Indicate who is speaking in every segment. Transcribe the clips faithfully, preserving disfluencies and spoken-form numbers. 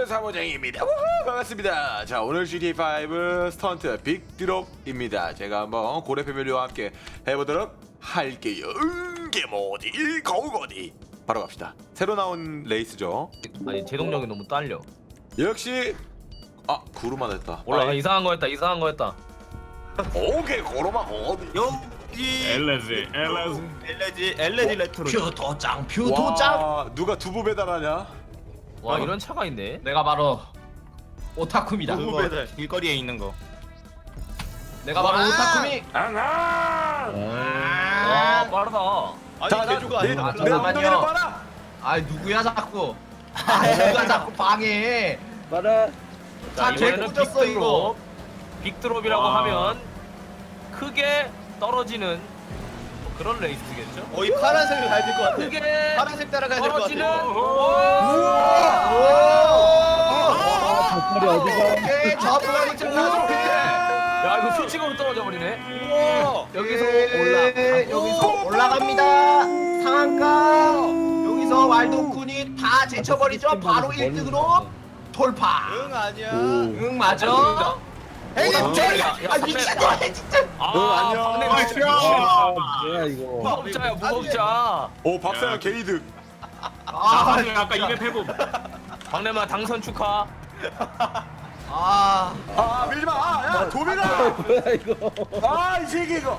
Speaker 1: 스턴트 사모장입니다. 우후, 반갑습니다. 자, 오늘 지티에이 파이브 스턴트 빅드롭입니다. 제가 한번 고래 패밀리와 함께 해보도록 할게요. 응게 뭐지? 거욱 어디? 바로 갑시다. 새로 나온 레이스죠.
Speaker 2: 아니 제동력이 너무 딸려.
Speaker 1: 역시 아 구루만 했다.
Speaker 2: 올라가. 이상한 거 했다. 이상한 거 했다.
Speaker 1: 오케이 고로마 어디?
Speaker 3: 여기
Speaker 4: 엘레지 엘레지
Speaker 3: 엘레지 엘레지 레트로
Speaker 5: 표도장 표도장
Speaker 1: 와 누가 두부 배달하냐?
Speaker 2: 와 이런 차가 있네.
Speaker 5: 내가 바로 오타쿠입니다.
Speaker 3: 그거 길거리에 있는 거.
Speaker 5: 내가 바로 오타쿠미.
Speaker 1: 아!
Speaker 2: 와 빠르다.
Speaker 3: 아니
Speaker 1: 자,
Speaker 3: 개조가
Speaker 1: 내,
Speaker 3: 아니라
Speaker 1: 내
Speaker 5: 잠깐만요.
Speaker 1: 엉덩이를 봐라.
Speaker 5: 아 누구야 자꾸. 아 누가 자꾸 방해.
Speaker 6: 봐라.
Speaker 2: 자
Speaker 5: 아,
Speaker 2: 이번에는
Speaker 5: 개꽂았어, 이거.
Speaker 2: 빅드롭. 빅드롭이라고
Speaker 4: 와.
Speaker 2: 하면 크게 떨어지는 뭐 그런 레이스겠죠?
Speaker 3: 거의 파란색을 밟을 것 같아.
Speaker 2: 크게
Speaker 3: 파란색 따라가야 될 것
Speaker 2: 떨어지는.
Speaker 3: 같아.
Speaker 6: 닭발이 어디가?
Speaker 5: 오케이 저분이 들어가서
Speaker 2: 야 이거 수직으로 떨어져 버리네.
Speaker 3: 우와.
Speaker 5: 여기서 올라 여기서 올라갑니다. 상한가 여기서 왈도쿤이 다 제쳐버리죠. 바로 일 등으로 돌파.
Speaker 3: 응 아니야.
Speaker 5: 응 맞아. 에이 저야 아 미친놈 진짜.
Speaker 2: 아
Speaker 1: 어, 안녕.
Speaker 2: 박내
Speaker 4: 아,
Speaker 6: 뭐야 이거?
Speaker 2: 무법자야 무법자.
Speaker 1: 오 박사형 게이득.
Speaker 5: 아,
Speaker 4: 나 아까 이백 회복
Speaker 2: 박내마 당선 축하.
Speaker 5: 아,
Speaker 1: 아 밀지 마. 아, 야 도민아.
Speaker 6: 뭐야 이거?
Speaker 1: 아이 새끼 이거.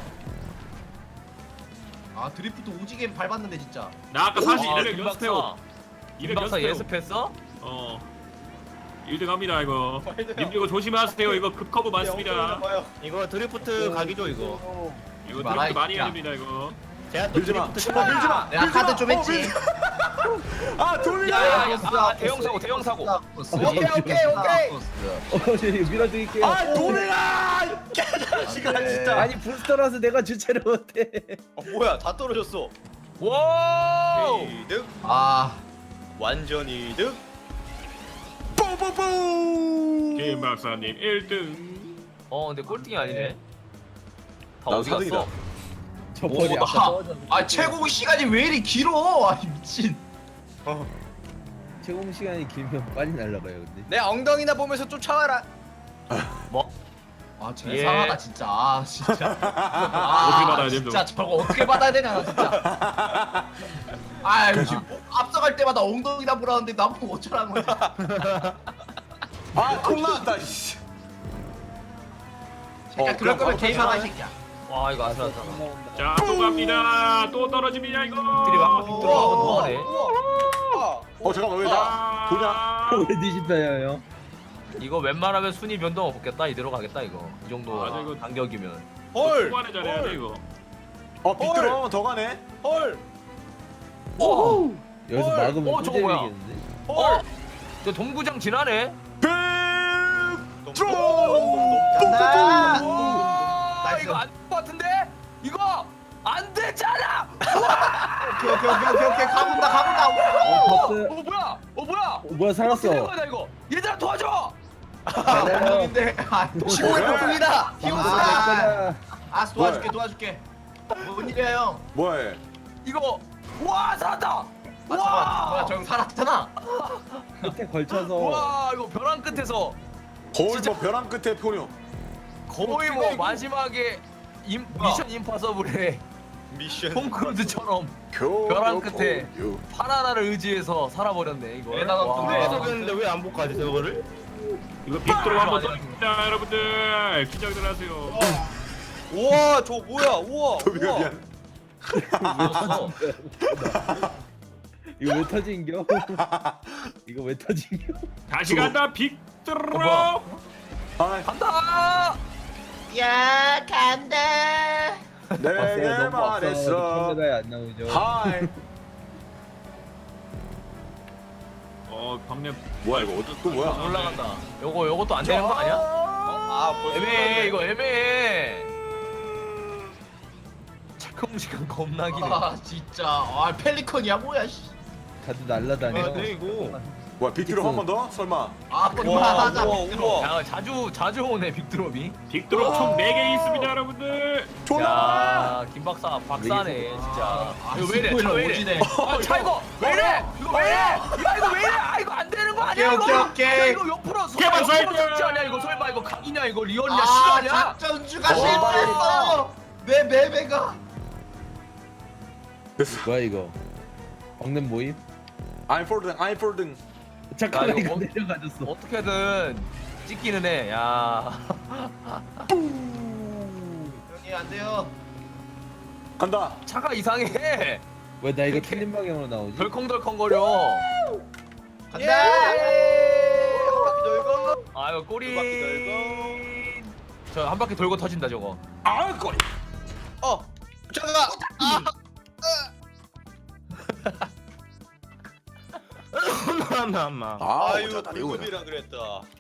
Speaker 5: 아 드리프트 오지게 밟았는데 진짜.
Speaker 4: 나 아까 사실
Speaker 2: 아,
Speaker 4: 이백 연습해요
Speaker 2: 김
Speaker 4: 이백
Speaker 2: 박사
Speaker 4: 연습해요
Speaker 2: 예습했어?
Speaker 4: 어 일 등 합니다 이거 님 이거 조심하세요 이거 급커브 많습니다
Speaker 3: 이거 드리프트 가기죠 이거.
Speaker 4: 이거
Speaker 5: 말아,
Speaker 4: 드립도 많이 해야
Speaker 5: 야.
Speaker 4: 됩니다 이거
Speaker 3: 제가 또
Speaker 1: 밀지 마.
Speaker 3: 드리프트
Speaker 1: 아, 밀지 마.
Speaker 5: 내가 카드 좀 했지.
Speaker 1: 아 도민아.
Speaker 2: 야야야 아, 대형 사고 대형 사고.
Speaker 5: 오케이 오케이 오케이.
Speaker 6: 어, 밀어드릴게요.
Speaker 1: 아 도민아. 개자식아 진짜.
Speaker 6: 아니 부스터라서 내가 주체를 못해.
Speaker 3: 어, 뭐야 다 떨어졌어.
Speaker 2: 와.
Speaker 3: 이득
Speaker 5: 아,
Speaker 3: 완전 이득.
Speaker 1: 뽀뽀뽀.
Speaker 4: 김 박사님 일 등
Speaker 2: 어 근데 꼴등이 아니네. 다
Speaker 1: 나도
Speaker 2: 어디 갔어?
Speaker 1: 사등이다.
Speaker 6: 저 벌이
Speaker 5: 오,
Speaker 6: 아까
Speaker 5: 나-
Speaker 6: 떨어졌는데.
Speaker 5: 아 최고 시간이 왜 이리 길어? 아 미친.
Speaker 6: 제공 시간이 길면 빨리 날아가요 근데.
Speaker 3: 내 엉덩이나 보면서 쫓아와라.
Speaker 2: 뭐?
Speaker 5: 아 진짜
Speaker 2: 예.
Speaker 5: 이상하다 진짜. 아 진짜.
Speaker 4: 어떻게
Speaker 5: 아
Speaker 4: 받아야
Speaker 5: 진짜 저거 어떻게 받아야 되냐 나 진짜. 아 지금 앞서갈 때마다 엉덩이나 보라는데 나보고 어쩌라는 거지.
Speaker 1: 아콩 나왔다. 씨.
Speaker 5: 그러니까
Speaker 1: 어,
Speaker 5: 그럴
Speaker 1: 그럼
Speaker 5: 거면
Speaker 1: 바로
Speaker 5: 게임하라 이
Speaker 1: 탈출하네.
Speaker 5: 새끼야.
Speaker 2: 와 이거 아슬아슬.
Speaker 4: 자 또 갑니다 또 떨어집니다 이거
Speaker 2: 빅들이 막 빅들이 한번 더 하네.
Speaker 1: 어 잠깐만 왜 나 도냐?
Speaker 6: 왜 뒤집혀요?
Speaker 2: 이거 웬만하면 순위 변동 없겠다. 이대로 가겠다 이거. 이 정도
Speaker 4: 맞아, 이거-
Speaker 2: 간격이면.
Speaker 3: 헐.
Speaker 4: 초반에 잘해야 돼 이거
Speaker 1: 어 빗들어 더 가네.
Speaker 3: 헐.
Speaker 2: 오.
Speaker 6: 여기서
Speaker 3: 헐.
Speaker 6: 막으면
Speaker 2: 어, 저거 뭐야?
Speaker 6: 꿀잼이겠는데?
Speaker 2: 어? 저 동구장 지나네.
Speaker 1: 빅드로.
Speaker 5: 간다.
Speaker 2: 와
Speaker 5: 나이스.
Speaker 2: 이거 안 될 것 같은데? 이거 안 되잖아.
Speaker 5: 오케이 오케이 오케이 오케이 오케이 가본다 가본다.
Speaker 6: 어 봤어요?
Speaker 2: 어 뭐야? 어 뭐야?
Speaker 6: 어, 뭐야 살았어.
Speaker 2: 어떻게 된 거야 이거? 얘들아 도와줘.
Speaker 5: 엉덩인데 아
Speaker 3: 지구의 폭풍이다.
Speaker 5: 아, 아 도와줄게 도와줄게. 뭔 일이야 형?
Speaker 1: 뭐해?
Speaker 2: 이거 와 살았다.
Speaker 5: 아 잠깐 뭐야 저 형 살았잖아.
Speaker 6: 끝에 걸쳐서.
Speaker 2: 와 이거 벼랑 끝에서
Speaker 1: 거의
Speaker 2: 진짜-
Speaker 1: 뭐 벼랑 끝에 포뇨.
Speaker 2: 거의 뭐 마지막에 임, 미션 임파서블의
Speaker 3: 미션.
Speaker 2: 톰 크루즈처럼
Speaker 1: 교.
Speaker 2: 벼랑 끝에
Speaker 1: 요.
Speaker 2: 파라나를 의지해서 살아버렸네 이거.
Speaker 5: 대단한
Speaker 2: 와.
Speaker 5: 동네에서
Speaker 3: 계속했는데 왜 안 복하지 저거를?
Speaker 4: 이거 빅드로 한번
Speaker 2: 맞아.
Speaker 4: 더 여러분들 긴장들 하세요
Speaker 3: 우와 저 뭐야 우와.
Speaker 1: 도민아
Speaker 3: 우와.
Speaker 1: 미안.
Speaker 2: 어,
Speaker 6: 이거 왜 터진겨? 이거 왜 터진겨?
Speaker 4: 다시 간다
Speaker 2: 어,
Speaker 4: 빅드로
Speaker 2: 뭐야?
Speaker 1: 아
Speaker 2: 간다.
Speaker 5: 야 간다.
Speaker 1: 내게
Speaker 6: 너무
Speaker 1: 말했어.
Speaker 6: 카메라에 안 나오죠.
Speaker 1: 하이.
Speaker 4: 어 박내
Speaker 1: 뭐야 이거 어디 또 뭐야?
Speaker 2: 올라간다. 요거 요것도 안 되는 거 아니야?
Speaker 3: 아 벌써
Speaker 2: 애매해 이거 애매해. 체크 시간 겁나 기네.
Speaker 5: 아 진짜 아 펠리컨이야 뭐야 씨.
Speaker 6: 다들 날라다녀.
Speaker 3: 아, 네 이거.
Speaker 1: 뭐야 빅드로 한 번 더? 설마?
Speaker 5: 아
Speaker 3: 우와
Speaker 5: 그만하자.
Speaker 3: 우와 우와.
Speaker 2: 야 자주 자주 오네 빅드롭이.
Speaker 4: 빅드로 총 네 개 있습니다 여러분들
Speaker 1: 졸라.
Speaker 2: 야 김박사 박사네 진짜.
Speaker 5: 아,
Speaker 2: 이거 왜 이래? 차 왜 이래?
Speaker 5: 오지네.
Speaker 2: 아, 차 이거 왜 이래? 이거 왜 이래? 야 이거 왜 이래? 아 이거 안 되는 되는 거
Speaker 5: 오케이,
Speaker 2: 아니야 이거?
Speaker 5: 오케이,
Speaker 2: 야,
Speaker 5: 오케이.
Speaker 2: 이거 옆으로 설마
Speaker 4: 개발
Speaker 2: 옆으로
Speaker 4: 사이클!
Speaker 2: 삭제 아니야 이거? 설마 이거 각이냐 이거? 리얼이냐
Speaker 5: 아
Speaker 2: 실화냐?
Speaker 5: 작전주가
Speaker 1: 어,
Speaker 5: 실패했어. 내 매매가.
Speaker 6: 뭐야 이거? 박냄 모임?
Speaker 1: 아이폴등 아이폴등.
Speaker 6: 잠깐만
Speaker 2: 야, 이거
Speaker 6: 이거
Speaker 2: 뭐-
Speaker 6: 내려가졌어.
Speaker 2: 어떻게든 찍기는 해. 야.
Speaker 5: 형이 안 돼요.
Speaker 1: 간다.
Speaker 2: 차가 이상해.
Speaker 6: 왜 나 이거 틀린 방향으로 나오지?
Speaker 2: 덜컹덜컹거려.
Speaker 5: 간다. 한 바퀴 돌고.
Speaker 2: 아 이거 꼬리.
Speaker 5: 두 바퀴
Speaker 2: 저 한 바퀴 돌고 터진다 저거.
Speaker 1: 아 꼬리.
Speaker 5: 어. 잠깐. 아.
Speaker 3: 나나마.
Speaker 1: 아
Speaker 3: 아유
Speaker 1: 어쩌다 이거야.
Speaker 3: 불급이라 그랬다.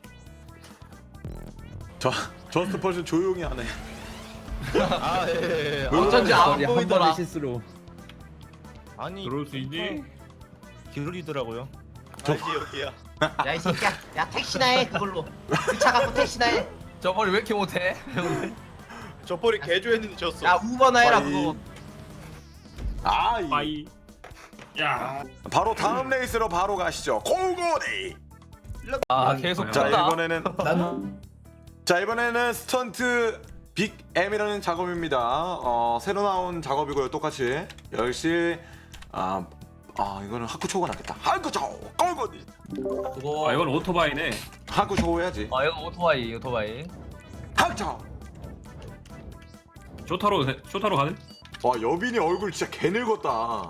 Speaker 1: 저 저스트 펄스 조용히 하네.
Speaker 3: 아 예. 예.
Speaker 5: 어쩐지
Speaker 3: 아,
Speaker 5: 안
Speaker 6: 한 번의
Speaker 5: 보이더라.
Speaker 6: 실수로.
Speaker 3: 아니
Speaker 4: 들어올 수 있니?
Speaker 3: 기울이더라고요. 알지 여기야.
Speaker 5: 야 이 새끼야. 야 택시나 해 그걸로. 그 차 갖고 택시나 해.
Speaker 2: 저 머리 왜 이렇게 못해?
Speaker 3: 저 폴이 개조했는데 졌어.
Speaker 5: 야 우버나 해라
Speaker 1: 빠이.
Speaker 5: 그거.
Speaker 1: 아 이.
Speaker 4: 빠이. 야.
Speaker 1: 바로 다음 레이스로 바로 가시죠. 고고디.
Speaker 2: 아 계속
Speaker 1: 자
Speaker 2: 쳤다.
Speaker 1: 이번에는
Speaker 6: 난
Speaker 1: 자 이번에는 스턴트 빅 M이라는 작업입니다. 어 새로 나온 작업이고요. 똑같이 역시 아, 아 이거는 하쿠초가 낫겠다. 하쿠초 고고디.
Speaker 2: 그거.
Speaker 4: 아 이건 오토바이네.
Speaker 1: 하쿠초 해야지.
Speaker 2: 아 이거 오토바이 오토바이.
Speaker 1: 하쿠초.
Speaker 4: 쇼타로 쇼타로 가는?
Speaker 1: 와 여빈이 얼굴 진짜 개 늙었다.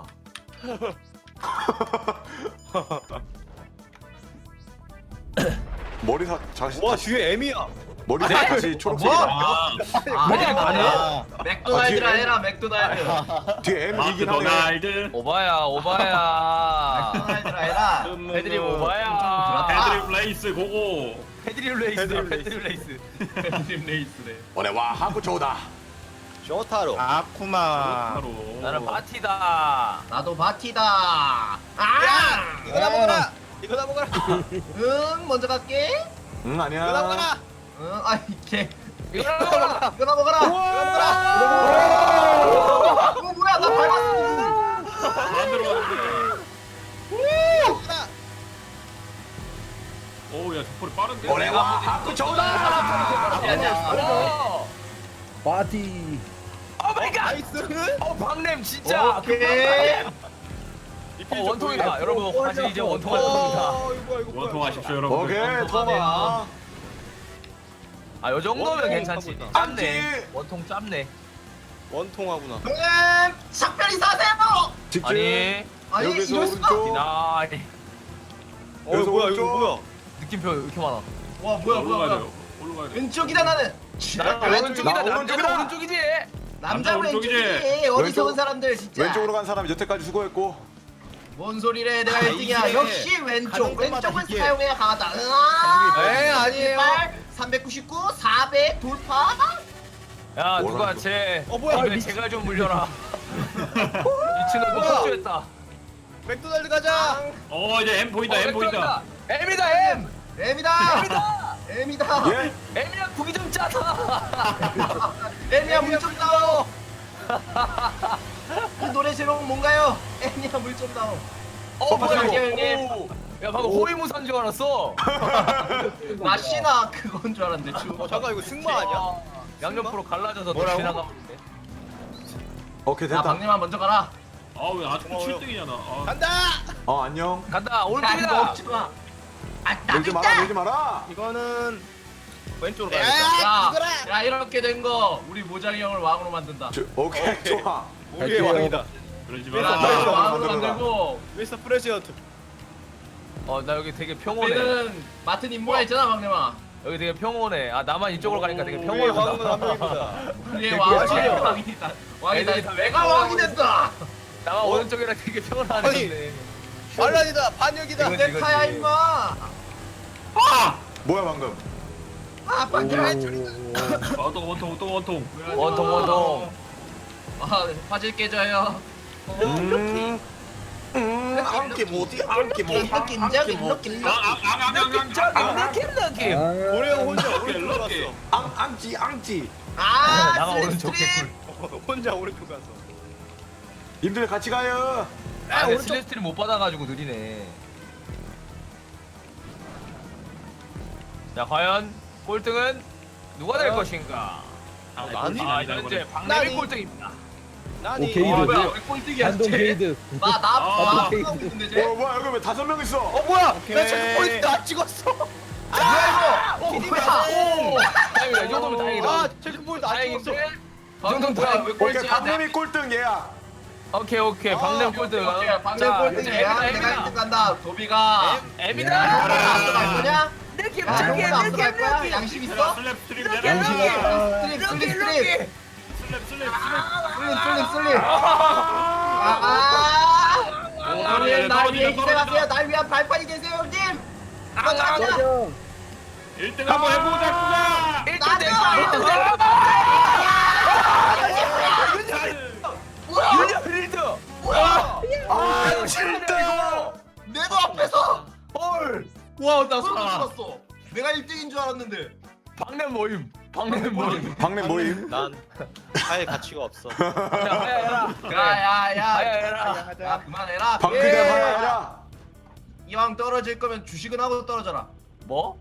Speaker 1: 머리사 다시
Speaker 3: 와
Speaker 1: 다시
Speaker 3: 뒤에 M이야.
Speaker 1: 머리사 다시 초록색이다.
Speaker 4: 아,
Speaker 5: 아,
Speaker 2: 맥 아니야?
Speaker 3: 아,
Speaker 5: 맥도날드라
Speaker 1: 아, 뒤에-
Speaker 5: 해라 맥도날드.
Speaker 1: 뒤에 M 이긴 하네.
Speaker 4: 막도날드.
Speaker 2: 오바야 오바야.
Speaker 5: 맥도날드라 해라.
Speaker 2: 패드립 오바야.
Speaker 5: 아.
Speaker 4: 패드립 레이스 고고.
Speaker 2: 패드립 레이스.
Speaker 3: 패드립
Speaker 2: 패드립 레이스. 패드립 레이스네.
Speaker 1: 오늘 와 하쿠초다.
Speaker 3: 쇼타로. 아쿠마.
Speaker 4: 쇼타로.
Speaker 2: 나는 바티다.
Speaker 5: 나도 바티다. 아!
Speaker 3: 이거나 먹어라. 이거나 먹어라.
Speaker 5: 응 먼저 갈게.
Speaker 1: 응
Speaker 3: 이거나
Speaker 1: 아니야.
Speaker 3: 먹어라.
Speaker 5: 응 아이 개.
Speaker 2: 이거 먹어라.
Speaker 5: 이거나 먹어라. 이거나 먹어라. 어 뭐야 나 밟았어.
Speaker 4: 안 들어가는데. 오야 저폴이 빠른데.
Speaker 1: 오늘 와 하쿠초다.
Speaker 2: 아니야.
Speaker 6: 파티.
Speaker 2: 오 마이 갓.
Speaker 3: 나이스.
Speaker 2: 어 박냄 진짜.
Speaker 5: 오케이.
Speaker 2: 어 원통이다. 여러분 다시 이제 원통할 겁니다.
Speaker 3: 어 이거 뭐야 이거 뭐야.
Speaker 4: 원통하십시오 여러분.
Speaker 1: 오케이
Speaker 2: 원통하네요.
Speaker 1: 토마.
Speaker 2: 아, 요 정도면
Speaker 3: 원통
Speaker 2: 괜찮지.
Speaker 3: 하고 있다.
Speaker 2: 짭네.
Speaker 1: 안
Speaker 2: 원통 짭네.
Speaker 3: 원통하구나.
Speaker 5: 음 작별이 사세요.
Speaker 1: 직진.
Speaker 2: 아니,
Speaker 5: 아니
Speaker 1: 여기서
Speaker 5: 이럴 수가.
Speaker 1: 오른쪽.
Speaker 2: 디나이.
Speaker 3: 어
Speaker 1: 여기서
Speaker 3: 뭐야
Speaker 1: 오른쪽.
Speaker 3: 이거 뭐야.
Speaker 2: 느낌표 왜 이렇게 많아?
Speaker 5: 와 뭐야 뭐야
Speaker 4: 올라가야
Speaker 5: 뭐야.
Speaker 4: 돼요. 올라가야 돼.
Speaker 5: 왼쪽이다 나는.
Speaker 2: 나
Speaker 5: 왼쪽이다.
Speaker 2: 오른쪽이다.
Speaker 1: 나
Speaker 2: 남자는
Speaker 1: 오른쪽이다.
Speaker 2: 오른쪽이지.
Speaker 5: 남자
Speaker 4: 남자 오른쪽이지.
Speaker 5: 왼쪽이지. 어리석은
Speaker 1: 왼쪽-
Speaker 5: 사람들 진짜.
Speaker 1: 왼쪽으로 간 사람이 여태까지 수고했고.
Speaker 5: 뭔 소리래 내가 일 등이야.
Speaker 3: 이게
Speaker 5: 역시 왼쪽.
Speaker 3: 가는 것마다
Speaker 5: 왼쪽은
Speaker 3: 이게-
Speaker 5: 사용해야 강하다. 으아.
Speaker 3: 에이, 아니에요.
Speaker 5: 삼백구십구, 사백 돌파.
Speaker 2: 야, 누가
Speaker 1: 뭐라는
Speaker 2: 제
Speaker 3: 어, 뭐야.
Speaker 2: 입에 제갈 좀 물려라. 미친놈 뭐
Speaker 3: 뭐야.
Speaker 2: 폭주했다.
Speaker 3: 맥도날드 가자.
Speaker 4: 어 이제 M 보인다. M 보인다.
Speaker 2: M이다 M.
Speaker 5: M이다.
Speaker 2: M이다.
Speaker 5: M이다.
Speaker 1: 예.
Speaker 2: M이랑 국이 좀 짜다.
Speaker 5: M이야 물좀 다오. 이 노래 제목 뭔가요? M이야 물좀 다오.
Speaker 2: 어 뭐야
Speaker 5: 갈게요,
Speaker 2: 이거.
Speaker 5: 형님.
Speaker 2: 오. 야 방금 호위무사인 줄 알았어.
Speaker 5: 마시나 그건 줄 알았는데 주.
Speaker 3: 어 잠깐 이거 승마 아니야?
Speaker 2: 어, 양옆으로 갈라져서
Speaker 3: 뭐라고?
Speaker 2: 지나가는데.
Speaker 1: 오케이
Speaker 5: 야
Speaker 1: 됐다.
Speaker 5: 박님아 먼저 가라.
Speaker 4: 아왜 아직도
Speaker 3: 고마워요.
Speaker 4: 칠 등이냐 나. 아,
Speaker 3: 간다.
Speaker 1: 어 안녕.
Speaker 2: 간다
Speaker 5: 야 이거
Speaker 2: 오른쪽이다.
Speaker 5: 먹지 마. 아
Speaker 1: 밀지 마라
Speaker 5: 나겠다.
Speaker 1: 밀지 마라.
Speaker 3: 이거는 왼쪽으로
Speaker 5: 야,
Speaker 3: 가야겠다.
Speaker 5: 야 이렇게 된 거 우리 모장이 형을 왕으로 만든다.
Speaker 1: 저, 오케이
Speaker 3: 오케이.
Speaker 1: 좋아.
Speaker 3: 우리의
Speaker 6: 갈게요.
Speaker 3: 왕이다.
Speaker 4: 그러지
Speaker 5: 야,
Speaker 3: 아,
Speaker 4: 마.
Speaker 5: 왕으로
Speaker 1: 만들어라.
Speaker 5: 만들고
Speaker 3: 미스터 프레시던트.
Speaker 2: 어 나 여기 되게 평온해.
Speaker 5: 우리는 맡은 임무가 있잖아 박님아.
Speaker 2: 여기 되게 평온해. 아 나만 이쪽으로 가니까 되게
Speaker 3: 우리의 왕은 한
Speaker 2: 평온하다.
Speaker 3: 명입니다.
Speaker 5: 우리의
Speaker 1: 되게
Speaker 5: 왕이
Speaker 1: 좋아요.
Speaker 5: 왕이다. 왕이다.
Speaker 2: 애들이 다
Speaker 5: 내가 왕이 됐다.
Speaker 2: 나만 오른쪽이라 되게 평온하네.
Speaker 3: 아니. 반란이다. 반역이다.
Speaker 2: 이거지,
Speaker 5: 내
Speaker 2: 이거지.
Speaker 5: 카야 임마.
Speaker 1: 뭐야 방금?
Speaker 5: 아 반대.
Speaker 4: 원통 원통 원통 원통.
Speaker 2: 원통 원통.
Speaker 5: 아 화질 깨져요.
Speaker 1: 음. 음. 안게 뭐지? 안게 뭐?
Speaker 5: 이렇게 인정 이렇게
Speaker 2: 느낌 느낌 느낌.
Speaker 3: 고래 형 혼자
Speaker 4: 럭키,
Speaker 3: 오른쪽
Speaker 4: 럭키.
Speaker 3: 갔어.
Speaker 1: 앙 앙지 앙지.
Speaker 5: 아
Speaker 2: 나가 오른쪽
Speaker 5: 슬립스트림.
Speaker 2: 개꿀.
Speaker 3: 혼자 오른쪽 갔어.
Speaker 1: 님들 같이 가요.
Speaker 2: 아 근데 슬래스트를 못 받아가지고 느리네. 자 과연 꼴등은 누가 될
Speaker 3: 과연?
Speaker 2: 것인가?
Speaker 3: 아, 나니?
Speaker 2: 아 현재 박래미
Speaker 3: 나니?
Speaker 2: 꼴등입니다.
Speaker 3: 나니.
Speaker 6: 오케이.
Speaker 5: 어,
Speaker 6: 게이드.
Speaker 5: 뭐야 왜 꼴등이야
Speaker 6: 반동
Speaker 5: 쟤?
Speaker 6: 게이드.
Speaker 5: 나나
Speaker 4: 아,
Speaker 5: 나 하고 있는데 쟤?
Speaker 1: 어 뭐야 여기 왜 다섯 명 있어?
Speaker 3: 어 뭐야?
Speaker 5: 오케이.
Speaker 3: 나 체크 포인트 안 찍었어.
Speaker 5: 아 이거
Speaker 3: 기님이
Speaker 5: 뭐야?
Speaker 3: 오.
Speaker 2: 다행이다. 이 정도면 다행이다.
Speaker 3: 아 체크 포인트 안 찍었어.
Speaker 2: 다행인데. 이
Speaker 5: 아,
Speaker 2: 정도면
Speaker 5: 뭐야,
Speaker 2: 다행.
Speaker 5: 왜
Speaker 1: 오케이
Speaker 5: 꼴찌야?
Speaker 1: 박래미 꼴등 얘야.
Speaker 2: 오케이 오케이
Speaker 3: 아,
Speaker 2: 박래미
Speaker 3: 오케이,
Speaker 2: 꼴등.
Speaker 5: 오케이, 방금
Speaker 2: 자,
Speaker 5: 꼴등이야.
Speaker 2: 에미다,
Speaker 5: 내가
Speaker 2: 에미다.
Speaker 5: 일 등 간다. 도비가.
Speaker 2: 에미다.
Speaker 5: 앞서 갈 거냐?
Speaker 2: 느낌
Speaker 5: 야, 형보다 앞서 갈 거야? 양심 있어?
Speaker 4: 슬랩 스트림
Speaker 2: 이렇게,
Speaker 4: 내려.
Speaker 2: 이렇게.
Speaker 5: 슬립 슬립 슬립 슬립
Speaker 4: 슬랩 슬랩 슬랩.
Speaker 5: 슬립 슬립 슬립. 아. 형님 날 위해 희생하세요. 날 위한 발판이 되세요 형님. 가자 가자.
Speaker 6: 맞아.
Speaker 4: 일 등 한번 해보자꾸나.
Speaker 2: 일등 내
Speaker 5: 나도! 뭐야?
Speaker 2: 윤열 일 등.
Speaker 5: 뭐야?
Speaker 1: 아 진짜.
Speaker 5: 내도 앞에서.
Speaker 2: 헐.
Speaker 5: 와나 소름 돋았어. 내가 일 등인 줄 알았는데.
Speaker 2: 박래 모임. 박래 모임.
Speaker 1: 박래 모임.
Speaker 3: 난 사회 가치가 없어.
Speaker 2: 야야야.
Speaker 5: 야야야.
Speaker 2: 야야야.
Speaker 5: 야 그만해라.
Speaker 1: 박
Speaker 5: 예.
Speaker 1: 그대 하나라.
Speaker 5: 이왕 떨어질 거면 주식은 하고 떨어져라.
Speaker 2: 뭐?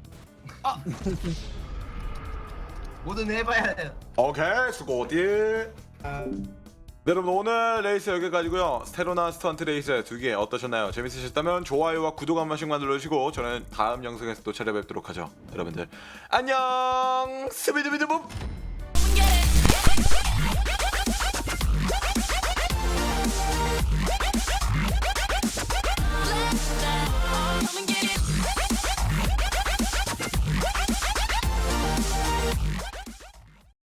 Speaker 5: 뭐든 해봐야 돼.
Speaker 1: 오케이 수고디. 네, 여러분 오늘 레이스 여기까지고요. 새로 나온 스턴트 레이스 두 개 어떠셨나요? 재밌으셨다면 좋아요와 구독 한 번씩만 눌러주시고 저는 다음 영상에서 또 찾아뵙도록 하죠. 여러분들 안녕 스비드비드봅.